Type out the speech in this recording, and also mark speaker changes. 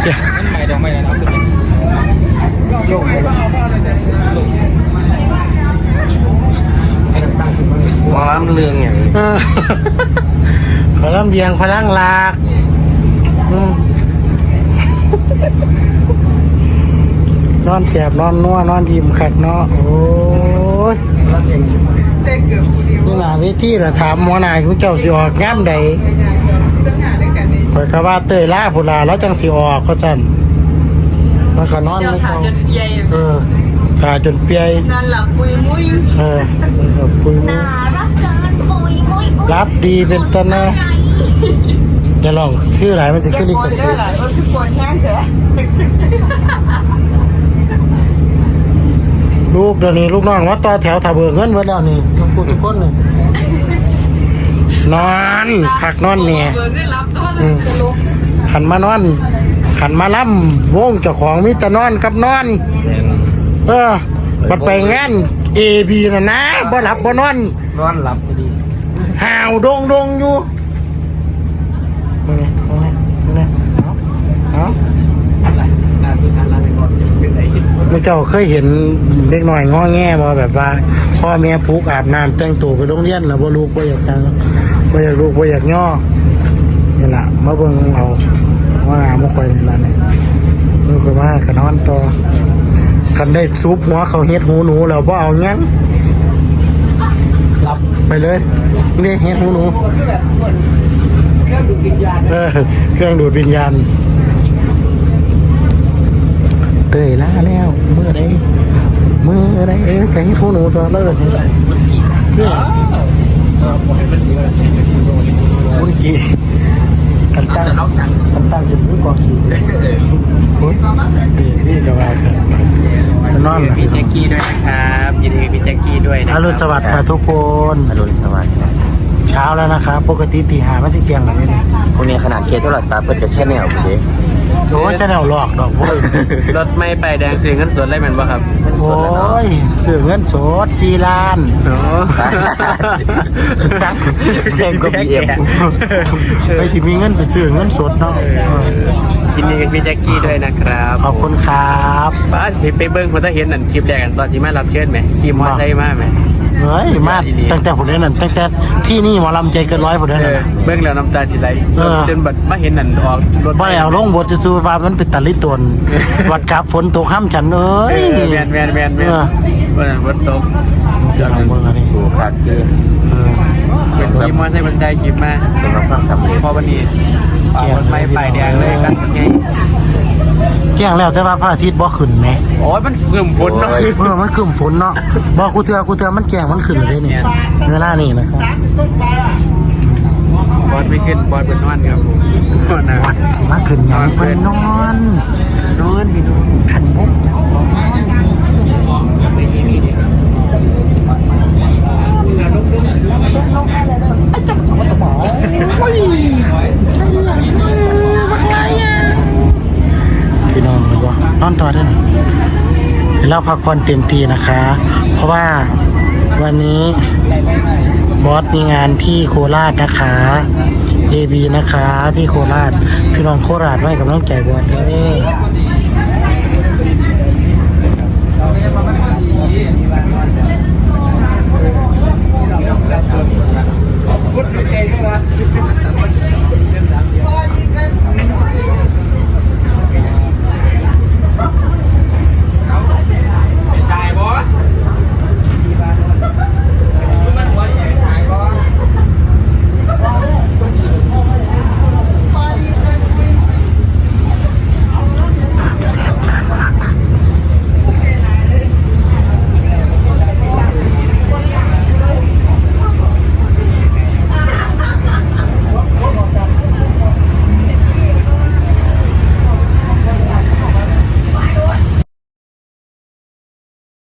Speaker 1: มันใหม่ดอกไม้แล้วนะโยกเลยหมอลำเรืองอย่าง
Speaker 2: ขอลำเลียงพลังหลักนอนแสบนอนนัวนอนยิ้มขัดเนาะโอ้ยนี่หนาเวทีละถามหมอนายคุณเจ้าสิออกงามใดคอยกะว่าเตยล่าพุลาแล้วจังสิออกก็จันมันก็นอนไม่เข้าขาจนเปียนอนหลับปุยมุ้ยปุยมุ้ยรับดีเป็นต้นนะจะลองชื่ออะไรมันจะขึ้นลิขสิทธิ์ลูกเดี๋ยวนี้ลูกน้องว่าต่อแถวถ้าเบิกเงินไว้แล้วนี่ลูกกูทุกคนเลยนอนผักนอนเนี่ยขันมานอนขันมาล่ำวงเจ้าของมิตรนอนกับนอนมันไปงานABนะบ่หลับบ่นอน
Speaker 1: หลับดี
Speaker 2: ห่าวดงอยู่มันเจ้าเคยเห็นเด็กหน่อยง้อแง่บ่แบบว่าพ่อแม่ปลุกอาบน้ำแต่งตัวไปโรงเรียนแล้วบ่ลูกบ่อยากจังบ่อยากลูกบ่อยากย่อนี่แหละมาเบิ่งเอาว่าน้ำมาคอยนี่ละเนี่ยมือคนมาขนอนต่อคันได้ซุปหัวเขาเฮ็ดหูหนูแล้วบ่เอางั้นหลับไปเลยนี่เฮ็ดหูหนูเครื่องดูดวิญญาณเตยล่าแล้วเมื่อใดแกเฮ็ดหูหนูตัวเลิศมุนกีกันตั้งจะมือกองกีนี่ก็ว่ากันนอน
Speaker 1: พี่แจ็คกี้ด้วยนะครับยินดีพี่แจ็คกี้ด้วยนะ
Speaker 2: อรุณสวัสดิ์ค่ะทุกคน
Speaker 1: อรุณสวัสดิ์
Speaker 2: เช้าแล้วนะครับปกติตี5มันสิเจียงแบบนี้
Speaker 1: พวกนี้ขนาดเคสโทรศัพท์เปิดกับแชนแนลคุณดิ
Speaker 2: โอ้แชนแนลหลอกดอกโว้ย
Speaker 1: รถไม่ไปแดงซื้อเงินสดได้แม่นบ่ครับ
Speaker 2: โอ้ยซื้อเงินสด4 ล้านซักแพงกว่า BM ไปที่มีเงินไปซื้อเงินสดเนาะ
Speaker 1: ยินดีกับพี่แจ็คกี้ด้วยนะครับ
Speaker 2: ขอบคุณครับ
Speaker 1: บ้านไปเบิ้งผมจะเห็นนั่นคลิปแรกกันตอนที่มารับเชิญไหมขี่มอเตอร์ไซค์มาไหม
Speaker 2: เฮ้ยมาตั้งแต่ผมเล่นนั่นตั้งแต่ที่นี่หมอลำใจเกิน100ผมเล่นนั่น
Speaker 1: เบิ้งแล้วน้ำตาสิไหลจนบัดมาเห็นนั่นออกรถ
Speaker 2: บ่แล้วลงบทจะสู้ว่ามันเป็นตะลิตนวัดกับฝนตกห้ามฉันเอ้ย
Speaker 1: แมนวันนั้นฝนตก
Speaker 2: จะลองเบิ้งอะไร
Speaker 1: สู่ขาดเกินเป็นขี่มอเตอร์ไซค์บรรทุกคลิปมาสำหรับความสำเร็จพอวันนี้รถไม่ไปแดงเลยกันไง
Speaker 2: แจ้งแล้วแต่ว่าพระอาทิตย์บ่ขึ้นไหม
Speaker 1: โอ้ยมันขึ้นฝนเนาะ
Speaker 2: มันขึ้นฝนเนาะบอกกูเตือนมันแจ้งมันขึ้นเลยเนี่ยเวลานี่นะครับ
Speaker 1: บอลไม่ขึ้นบอลเป็นนอนครับผม
Speaker 2: วัดสิมาขึ้นยังเป็นนอนพี่น้องขันบุกพี่น้องเลยว่านอนต่อได้ไหมเราพักผ่อนเต็มที่นะคะเพราะว่าวันนี้บอสมีงานที่โคราชนะคะ AB นะคะที่โคราชพี่น้องโคราชไว้กับน้องแก่บอสเลย